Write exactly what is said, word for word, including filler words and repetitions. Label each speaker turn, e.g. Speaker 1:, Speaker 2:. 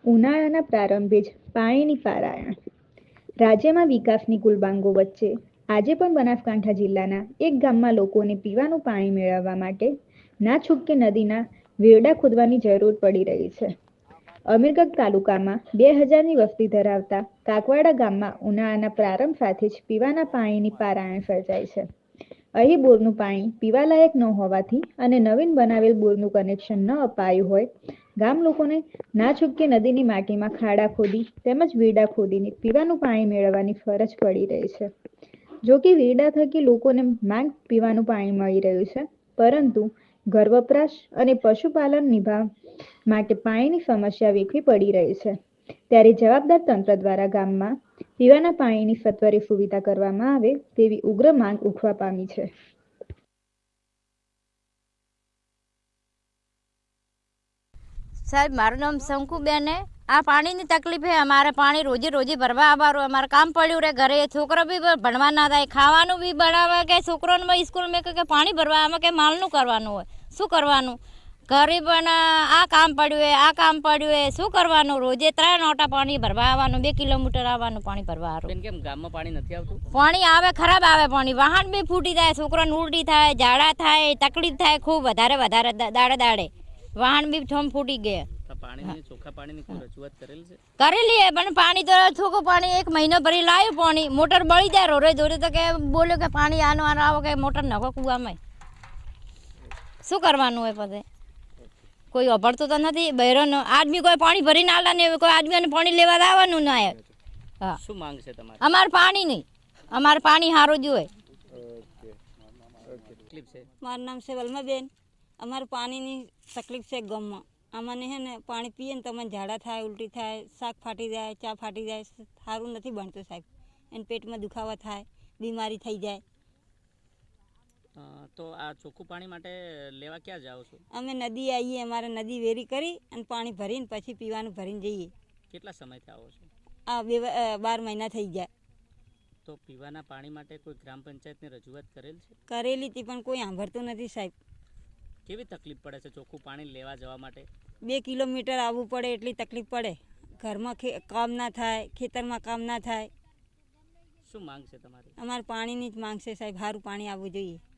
Speaker 1: ઉનાળાના પ્રારંભે જ પાણીની પારાયણ. રાજ્યમાં વિકાસની કુલબાંગો વચ્ચે આજે પણ બનાસકાંઠા જિલ્લાના એક ગામમાં લોકોને પીવાનું પાણી મેળવવા માટે ના છૂટકે નદીના વેરડા ખોદવાની જરૂર પડી રહી છે. અમીરગઢ તાલુકામાં બે હજારની વસ્તી ધરાવતા કાકવાડા ગામમાં ઉનાળાના પ્રારંભ સાથે જ પીવાના પાણીની પારાયણ સર્જાય છે. અહીં બોરનું પાણી પીવાલાયક ન હોવાથી અને નવીન બનાવેલ બોરનું કનેક્શન ન અપાયું હોય ગામ લોકોને ના છૂટકે નદીની માટીમાં ખાડા ખોદી તેમજ વેરડા ખોદીને પીવાનું પાણી મેળવવાની ફરજ પડી રહી છે. જો કે વેરડા થકી લોકોને માંગ પીવાનું પાણી મળી રહ્યું છે, પરંતુ ઘર વપરાશ અને પશુપાલન નિભાવ માટે પાણીની સમસ્યા વેઠવી પડી રહી છે. ત્યારે જવાબદાર તંત્ર દ્વારા ગામમાં પીવાના પાણીની સત્વરે સુવિધા કરવામાં આવે તેવી ઉગ્ર માંગ ઉઠવા પામી છે.
Speaker 2: સાહેબ, મારું નામ શંકુબેન હે. આ પાણીની તકલીફ હે. અમારે પાણી રોજે રોજે ભરવા આવવાનું. અમારે કામ પડ્યું રહે ઘરે, છોકરો બી ભણવા ના થાય, ખાવાનું બી બનાવે કે છોકરોને સ્કૂલમાં કે પાણી ભરવા આમાં કે માલનું કરવાનું હોય. શું કરવાનું? ઘરે પણ આ કામ પડ્યું હોય, આ કામ પડ્યું હોય, શું કરવાનું? રોજે ત્રણ ઓટા પાણી ભરવા આવવાનું, બે કિલોમીટર આવવાનું પાણી ભરવા આવવાનું.
Speaker 3: કેમ ગામમાં પાણી નથી આવતું?
Speaker 2: પાણી આવે, ખરાબ આવે પાણી. વાહન બી ફૂટી જાય, છોકરાને ઉલટી થાય, ઝાડા થાય, તકલીફ થાય ખૂબ વધારે વધારે દાડે દાડે. વાહન બી ઠોમ ફૂટી ગયા.
Speaker 3: પાણીની ચોખ્ખા પાણીની કોઈ રજૂઆત કરેલી છે?
Speaker 2: કરેલી હે, પણ પાણી તો ચોખ્ખું પાણી એક મહિનો ભરી લાવ્યું. પાણી મોટર બળી જાય રોરે દોરે તો કે બોલ્યો કે પાણી આનો આનો આવો કે મોટર નાખો કુવામાં. શું કરવાનું હોય પછી? કોઈ અભળતું તો નથી. બહેરોનો આદમી કોઈ પાણી ભરીને આલા ને કોઈ આદમીને પાણી લેવા આવવાનું ના. હા,
Speaker 3: શું માંગ છે તમારી?
Speaker 2: અમારે પાણી નહીં, અમારે પાણી સારું જોઈએ.
Speaker 4: મારું નામ છે વલ્માબેન. અમારે પાણીની તકલીફ છે ગામમાં. અમને હે ને પાણી પીએ ને તો અમને ઝાડા થાય, ઉલટી થાય, શાક ફાટી જાય, ચા ફાટી જાય, સારું નથી બનતું સાહેબ. એને પેટમાં દુખાવા થાય, બીમારી થઈ જાય.
Speaker 3: તો આ ચોખ્ખું પાણી માટે લેવા ક્યાં જાઓ છો?
Speaker 4: અમે નદી આવીએ, અમારે નદી વેરી કરી અને પાણી ભરીને પછી પીવાનું ભરીને જઈએ.
Speaker 3: કેટલા સમયથી આવો છો?
Speaker 4: આ બે બાર મહિના થઈ જાય.
Speaker 3: તો પીવાના પાણી માટે કોઈ ગ્રામ પંચાયતની રજૂઆત કરેલ છે?
Speaker 4: કરેલી હતી પણ કોઈ સાંભળતું નથી સાહેબ.
Speaker 3: કેવી તકલીફ પડે છે ચોખ્ખું પાણી લેવા જવા માટે?
Speaker 4: બે કિલોમીટર આવવું પડે એટલી તકલીફ પડે. ઘરમાં કામ ના થાય, ખેતરમાં કામ ના થાય.
Speaker 3: શું માંગ છે તમારી?
Speaker 4: અમારે પાણીની જ માંગ છે સાહેબ. સારું પાણી આવવું જોઈએ.